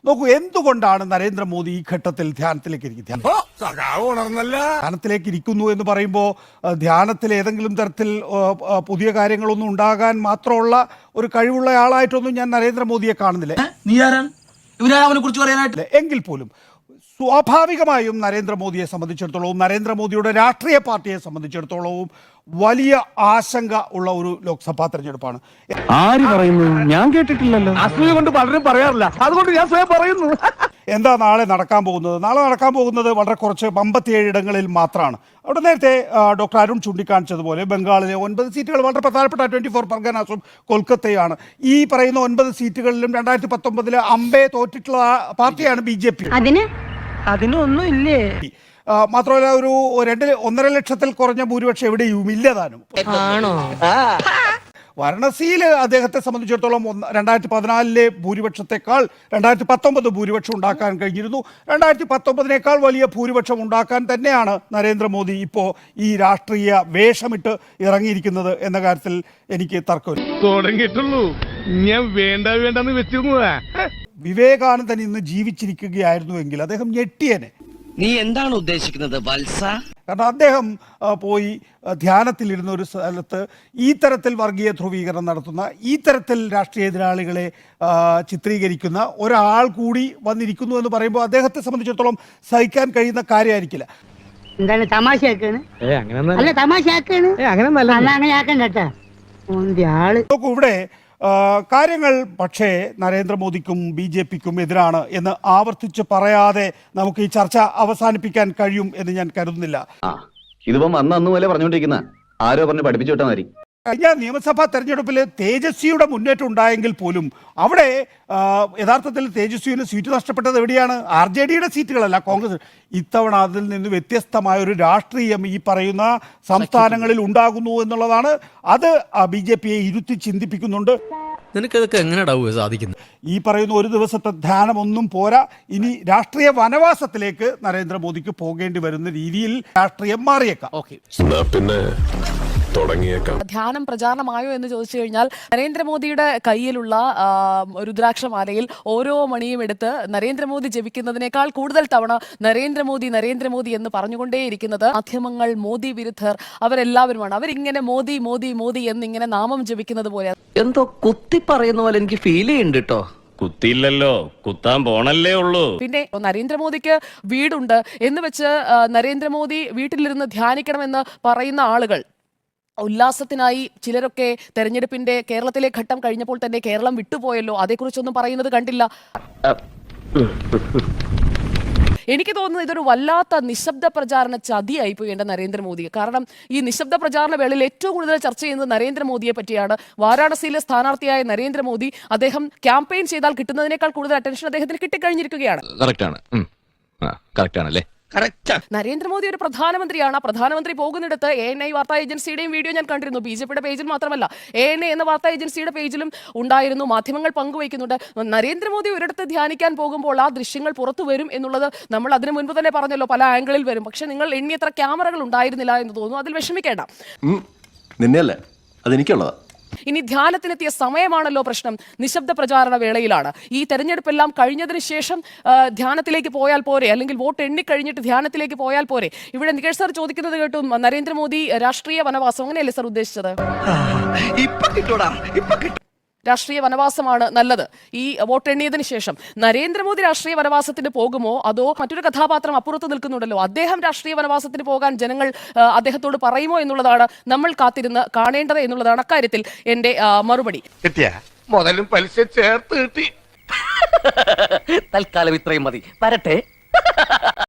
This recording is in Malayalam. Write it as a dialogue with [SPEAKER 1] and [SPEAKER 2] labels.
[SPEAKER 1] നോക്കൂ, എന്തുകൊണ്ടാണ് നരേന്ദ്രമോദി ഈ ഘട്ടത്തിൽ ധ്യാനത്തിലേക്ക് ഇരിക്കുന്നു എന്ന് പറയുമ്പോൾ ധ്യാനത്തിൽ ഏതെങ്കിലും തരത്തിൽ പുതിയ കാര്യങ്ങളൊന്നും ഉണ്ടാകാൻ മാത്രമുള്ള ഒരു കഴിവുള്ള ആളായിട്ടൊന്നും ഞാൻ നരേന്ദ്രമോദിയെ കാണുന്നില്ല. എങ്കിൽ പോലും സ്വാഭാവികമായും നരേന്ദ്രമോദിയെ സംബന്ധിച്ചിടത്തോളവും നരേന്ദ്രമോദിയുടെ രാഷ്ട്രീയ പാർട്ടിയെ സംബന്ധിച്ചിടത്തോളവും വലിയ ആശങ്ക ഉള്ള ഒരു ലോക്സഭാ തെരഞ്ഞെടുപ്പാണ്.
[SPEAKER 2] ആര് പറയുന്നു? ഞാൻ കേട്ടിട്ടില്ലല്ലോ. അസൂയ കൊണ്ട് പലരും പറയാറില്ല, അതുകൊണ്ട് ഞാൻ സ്വയം പറയുന്നു.
[SPEAKER 1] എന്താ നാളെ നടക്കാൻ പോകുന്നത്? നാളെ നടക്കാൻ പോകുന്നത് വളരെ കുറച്ച് 57 ഇടങ്ങളിൽ മാത്രമാണ്. അവിടെ നേരത്തെ ഡോക്ടർ അരുൺ ചൂണ്ടിക്കാണിച്ചതുപോലെ ബംഗാളിലെ 9 സീറ്റുകൾ വളരെ പ്രധാനപ്പെട്ട 24 പർഗനാസും കൊൽക്കത്തയാണ്. ഈ പറയുന്ന 9 സീറ്റുകളിലും 2019 അമ്പേ തോറ്റിട്ടുള്ള പാർട്ടിയാണ് BJP.
[SPEAKER 2] അതിനൊന്നും ഇല്ലേ?
[SPEAKER 1] മാത്രമല്ല ഒരു 1.5 ലക്ഷത്തിൽ കുറഞ്ഞ ഭൂരിപക്ഷം എവിടെയും ഇല്ലതാനും. വാരണസിയിൽ അദ്ദേഹത്തെ സംബന്ധിച്ചിടത്തോളം 2014 ഭൂരിപക്ഷത്തെക്കാൾ 2019 ഭൂരിപക്ഷം ഉണ്ടാക്കാൻ കഴിഞ്ഞിരുന്നു. 2019 വലിയ ഭൂരിപക്ഷം ഉണ്ടാക്കാൻ തന്നെയാണ് നരേന്ദ്രമോദി ഇപ്പോൾ ഈ രാഷ്ട്രീയ വേഷമിട്ട് ഇറങ്ങിയിരിക്കുന്നത് എന്ന കാര്യത്തിൽ എനിക്ക് തർക്കമില്ല.
[SPEAKER 2] തുടങ്ങിയിട്ടുള്ളൂ, ഞാൻ വേണ്ടെന്ന് വെച്ചിരുന്നതാ.
[SPEAKER 1] വിവേകാനന്ദൻ ഇന്ന് ജീവിച്ചിരിക്കുകയായിരുന്നുവെങ്കിൽ അദ്ദേഹം ഞെട്ടിയനെ.
[SPEAKER 3] നീ എന്താണ് ഉദ്ദേശിക്കുന്നത് വത്സ?
[SPEAKER 1] കാരണം അദ്ദേഹം പോയി ധ്യാനത്തിലിരുന്ന ഒരു സ്ഥലത്ത് ഈ തരത്തിൽ വർഗീയ ധ്രുവീകരണം നടത്തുന്ന, ഈ തരത്തിൽ രാഷ്ട്രീയ എതിരാളികളെ ചിത്രീകരിക്കുന്ന ഒരാൾ കൂടി വന്നിരിക്കുന്നു എന്ന് പറയുമ്പോൾ അദ്ദേഹത്തെ സംബന്ധിച്ചിടത്തോളം സഹിക്കാൻ കഴിയുന്ന കാര്യമായിരിക്കില്ല.
[SPEAKER 4] എന്താണ് തമാശയാക്കാണ്? അല്ല തമാശയാക്കാണ്, അങ്ങനെ ആക്കണ്ട.
[SPEAKER 1] നോക്കൂ, ഇവിടെ കാര്യങ്ങൾ പക്ഷേ നരേന്ദ്രമോദിക്കും BJPക്കും എതിരാണ് എന്ന് ആവർത്തിച്ച് പറയാതെ നമുക്ക് ഈ ചർച്ച അവസാനിപ്പിക്കാൻ കഴിയും എന്ന് ഞാൻ കരുതുന്നില്ല.
[SPEAKER 5] ഇതിപ്പം അന്ന് പോലെ പറഞ്ഞുകൊണ്ടിരിക്കുന്ന ആരോ പറഞ്ഞ് പഠിപ്പിച്ചു വിട്ടാൽ മതി.
[SPEAKER 1] കഴിഞ്ഞ നിയമസഭാ തെരഞ്ഞെടുപ്പിൽ തേജസ്വിയുടെ മുന്നേറ്റം ഉണ്ടായെങ്കിൽ പോലും അവിടെ യഥാർത്ഥത്തിൽ തേജസ്വിന് സീറ്റ് നഷ്ടപ്പെട്ടത് എവിടെയാണ്? RJDയുടെ സീറ്റുകളല്ല, കോൺഗ്രസ്. ഇത്തവണ അതിൽ നിന്ന് വ്യത്യസ്തമായ ഒരു രാഷ്ട്രീയം ഈ പറയുന്ന സംസ്ഥാനങ്ങളിൽ ഉണ്ടാകുന്നു എന്നുള്ളതാണ്. അത് BJPയെ ഇരുത്തി ചിന്തിപ്പിക്കുന്നുണ്ട്.
[SPEAKER 6] നിനക്കതൊക്കെ എങ്ങനെയാ സാധിക്കുന്നത്?
[SPEAKER 1] ഈ പറയുന്ന ഒരു ദിവസത്തെ ധ്യാനമൊന്നും പോരാ, ഇനി രാഷ്ട്രീയ വനവാസത്തിലേക്ക് നരേന്ദ്രമോദിക്ക് പോകേണ്ടി വരുന്ന രീതിയിൽ രാഷ്ട്രീയം മാറിയേക്കാം.
[SPEAKER 7] പിന്നെ
[SPEAKER 8] ധ്യാനം പ്രചാരണമായോ എന്ന് ചോദിച്ചു കഴിഞ്ഞാൽ നരേന്ദ്രമോദിയുടെ കയ്യിലുള്ള രുദ്രാക്ഷമാലയിൽ ഓരോ മണിയും എടുത്ത് നരേന്ദ്രമോദി ജപിക്കുന്നതിനേക്കാൾ കൂടുതൽ തവണ നരേന്ദ്രമോദി നരേന്ദ്രമോദി എന്ന് പറഞ്ഞുകൊണ്ടേയിരിക്കുന്നത് മാധ്യമങ്ങൾ, മോദി വിരുദ്ധർ അവരെല്ലാവരുമാണ്. അവരിങ്ങനെ മോദി മോദി മോദി എന്നിങ്ങനെ നാമം ജപിക്കുന്നത് പോലെ
[SPEAKER 3] എന്തോ കുത്തി പറയുന്ന പോലെ എനിക്ക് ഫീൽ ചെയ്യുന്നുണ്ട് കേട്ടോ.
[SPEAKER 6] കുത്തിയില്ലല്ലോ, കുത്താൻ പോണല്ലേ ഉള്ളൂ.
[SPEAKER 8] പിന്നെ നരേന്ദ്രമോദിക്ക് വീടുണ്ട് എന്ന് വെച്ച് നരേന്ദ്രമോദി വീട്ടിലിരുന്ന് ധ്യാനിക്കണമെന്ന് പറയുന്ന ആളുകൾ, ഉല്ലാസത്തിനായി ചിലരൊക്കെ തെരഞ്ഞെടുപ്പിന്റെ കേരളത്തിലെ ഘട്ടം കഴിഞ്ഞപ്പോൾ തന്നെ കേരളം വിട്ടുപോയല്ലോ, അതേക്കുറിച്ചൊന്നും പറയുന്നത് കണ്ടില്ല. എനിക്ക് തോന്നുന്നത് ഇതൊരു വല്ലാത്ത നിശബ്ദ പ്രചാരണ ചതിയായി പോയി എൻ്റെ നരേന്ദ്രമോദിയെ. കാരണം ഈ നിശബ്ദ പ്രചാരണ വേളയിൽ ഏറ്റവും കൂടുതൽ ചർച്ച ചെയ്യുന്നത് നരേന്ദ്രമോദിയെ പറ്റിയാണ്. വാരാണസിയിലെ സ്ഥാനാർത്ഥിയായ നരേന്ദ്രമോദി, അദ്ദേഹം ക്യാമ്പയിൻ ചെയ്താൽ കിട്ടുന്നതിനേക്കാൾ കൂടുതൽ അറ്റൻഷൻ അദ്ദേഹത്തിന് കിട്ടിക്കഴിഞ്ഞിരിക്കുകയാണ്. നരേന്ദ്രമോദി ഒരു പ്രധാനമന്ത്രിയാണ്. പ്രധാനമന്ത്രി പോകുന്നിടത്ത് ANI വാർത്താ ഏജൻസിയുടെയും വീഡിയോ ഞാൻ കണ്ടിരുന്നു. BJPയുടെ പേജിൽ മാത്രമല്ല, ANI എന്ന വാർത്താ ഏജൻസിയുടെ പേജിലും ഉണ്ടായിരുന്നു. മാധ്യമങ്ങൾ പങ്കുവയ്ക്കുന്നുണ്ട്. നരേന്ദ്രമോദി ഒരിടത്ത് ധ്യാനിക്കാൻ പോകുമ്പോൾ ആ ദൃശ്യങ്ങൾ പുറത്തു വരും എന്നുള്ളത് നമ്മൾ അതിനു മുൻപ് തന്നെ പറഞ്ഞല്ലോ, പല ആംഗിളിൽ വരും. പക്ഷെ നിങ്ങൾ എണ്ണിയത്ര ക്യാമറകൾ ഉണ്ടായിരുന്നില്ല എന്ന് തോന്നുന്നു. അതിൽ വിഷമിക്കേണ്ട,
[SPEAKER 5] നിന്നെയല്ലേ അതെനിക്കുള്ളതാ.
[SPEAKER 8] ഇനി ധ്യാനത്തിനെത്തിയ സമയമാണല്ലോ പ്രശ്നം. നിശബ്ദ പ്രചാരണ വേളയിലാണ്. ഈ തെരഞ്ഞെടുപ്പെല്ലാം കഴിഞ്ഞതിന് ശേഷം ധ്യാനത്തിലേക്ക് പോയാൽ പോരെ, അല്ലെങ്കിൽ വോട്ട് എണ്ണിക്കഴിഞ്ഞിട്ട് ധ്യാനത്തിലേക്ക് പോയാൽ പോരെ? ഇവിടെ നികേഷ് സാർ ചോദിക്കുന്നത് കേട്ടു, നരേന്ദ്രമോദി രാഷ്ട്രീയ വനവാസം, അങ്ങനെയല്ലേ സാർ ഉദ്ദേശിച്ചത്? രാഷ്ട്രീയ വനവാസമാണ് നല്ലത് ഈ വോട്ടെണ്ണിയതിന് ശേഷം. നരേന്ദ്രമോദി രാഷ്ട്രീയ വനവാസത്തിന് പോകുമോ, അതോ മറ്റൊരു കഥാപാത്രം അപ്പുറത്ത് നിൽക്കുന്നുണ്ടല്ലോ, അദ്ദേഹം രാഷ്ട്രീയ വനവാസത്തിന് പോകാൻ ജനങ്ങൾ അദ്ദേഹത്തോട് പറയുമോ എന്നുള്ളതാണ് നമ്മൾ കാത്തിരുന്ന് കാണേണ്ടത് എന്നുള്ളതാണ് അക്കാര്യത്തിൽ എന്റെ മറുപടി.
[SPEAKER 2] മുതലും പലിശ ചേർത്ത് കിട്ടി.
[SPEAKER 3] തൽക്കാലം ഇത്രയും മതി, വരട്ടെ.